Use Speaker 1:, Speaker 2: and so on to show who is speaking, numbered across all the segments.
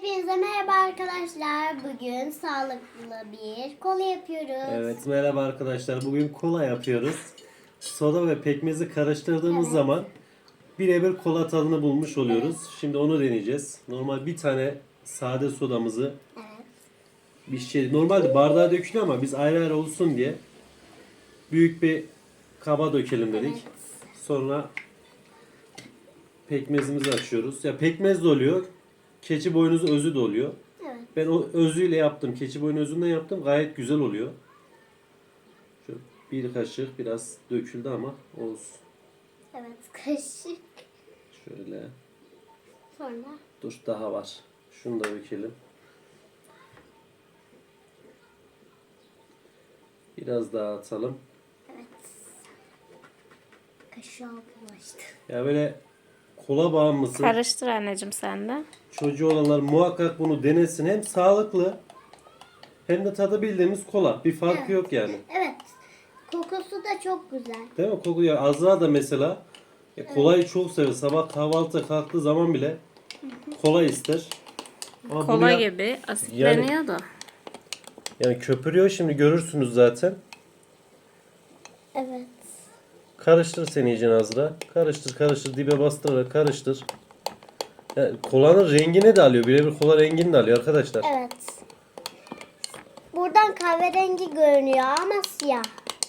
Speaker 1: Hepinize merhaba arkadaşlar. Bugün sağlıklı bir kola yapıyoruz.
Speaker 2: Evet, merhaba arkadaşlar. Bugün kola yapıyoruz. Soda ve pekmezi karıştırdığımız
Speaker 1: Evet.
Speaker 2: zaman birebir kola tadını bulmuş oluyoruz. Şimdi onu deneyeceğiz. Normal bir tane sade sodamızı normalde bardağa dökülüyor ama biz ayrı ayrı olsun diye büyük bir kaba dökelim dedik.
Speaker 1: Evet.
Speaker 2: Sonra pekmezimizi açıyoruz. Ya pekmez de oluyor. Keçi boynuzu özü de oluyor.
Speaker 1: Evet.
Speaker 2: Ben o özüyle yaptım. Keçi boynu özünden yaptım. Gayet güzel oluyor. Şöyle bir kaşık biraz döküldü ama olsun.
Speaker 1: Evet, kaşık.
Speaker 2: Şöyle.
Speaker 1: Sonra
Speaker 2: Dur daha var. Şunu da dökelim. Biraz daha atalım.
Speaker 1: evet. Kaşığa bulaştı.
Speaker 2: Ya böyle kola bağımlısı
Speaker 3: Karıştır anneciğim sen de.
Speaker 2: çocuğu olanlar muhakkak bunu denesin. Hem sağlıklı hem de tadı bildiğimiz kola. Bir farkı
Speaker 1: Evet.
Speaker 2: yok yani.
Speaker 1: Evet. Kokusu da çok güzel.
Speaker 2: Değil mi? Koku ya Azra da mesela kolayı çok sever. Sabah kahvaltıya kalktığı zaman bile kola ister. Ama bunu
Speaker 3: Kola
Speaker 2: ya-
Speaker 3: gibi asitleniyor da.
Speaker 2: Yani köpürüyor şimdi görürsünüz zaten.
Speaker 1: Evet.
Speaker 2: Karıştır sen iyice Azra. Karıştır karıştır dibe bastırarak karıştır. Yani kolanın rengini de alıyor. Birebir kola rengini de alıyor arkadaşlar.
Speaker 1: Evet. Buradan kahverengi görünüyor ama siyah.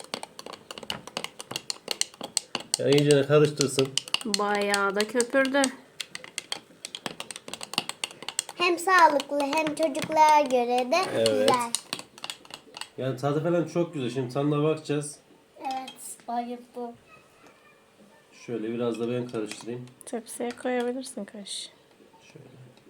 Speaker 2: Yani iyice karıştırsın.
Speaker 3: Bayağı da köpürdü.
Speaker 1: Hem sağlıklı hem çocuklara göre de
Speaker 2: Evet.
Speaker 1: güzel.
Speaker 2: Yani tadı falan çok güzel. Şimdi tadına bakacağız.
Speaker 1: Evet. Bayıldım.
Speaker 2: Şöyle biraz da ben karıştırayım.
Speaker 3: Tepsiye koyabilirsin kaş.
Speaker 2: Şöyle.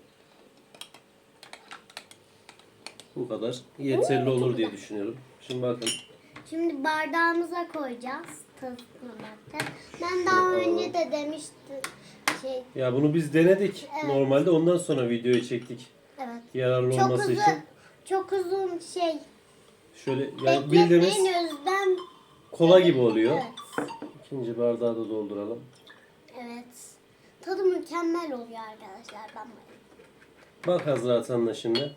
Speaker 2: Bu kadar yeterli olur diye düşünüyorum. Şimdi bakın.
Speaker 1: Şimdi bardağımıza koyacağız. Tadına bakacağız. Ben daha önce de demiştim.
Speaker 2: Ya bunu biz denedik.
Speaker 1: Evet.
Speaker 2: Normalde ondan sonra videoyu çektik.
Speaker 1: Evet.
Speaker 2: Yararlı
Speaker 1: Çok
Speaker 2: olması
Speaker 1: uzun,
Speaker 2: için.
Speaker 1: çok uzun
Speaker 2: Şöyle yani bildiğimiz
Speaker 1: bekletmeyin özden.
Speaker 2: kola gibi oluyor.
Speaker 1: Evet.
Speaker 2: İkinci bardağı da dolduralım.
Speaker 1: Evet. Tadı mükemmel oluyor arkadaşlar. Ben bayıldım.
Speaker 2: Bak Hazret Hanım'la şimdi.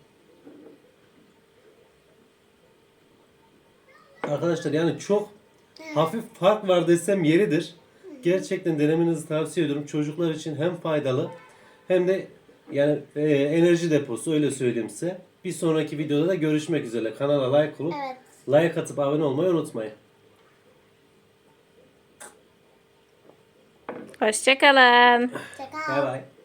Speaker 2: Arkadaşlar yani çok hafif fark var desem yeridir. Gerçekten denemenizi tavsiye ediyorum. Çocuklar için hem faydalı hem de yani enerji deposu öyle söyleyeyim size. Bir sonraki videoda da görüşmek üzere. Kanala like olup
Speaker 1: Evet.
Speaker 2: like atıp abone olmayı unutmayın.
Speaker 3: Hoşçakalın.
Speaker 1: Çakal.
Speaker 2: Bay bay.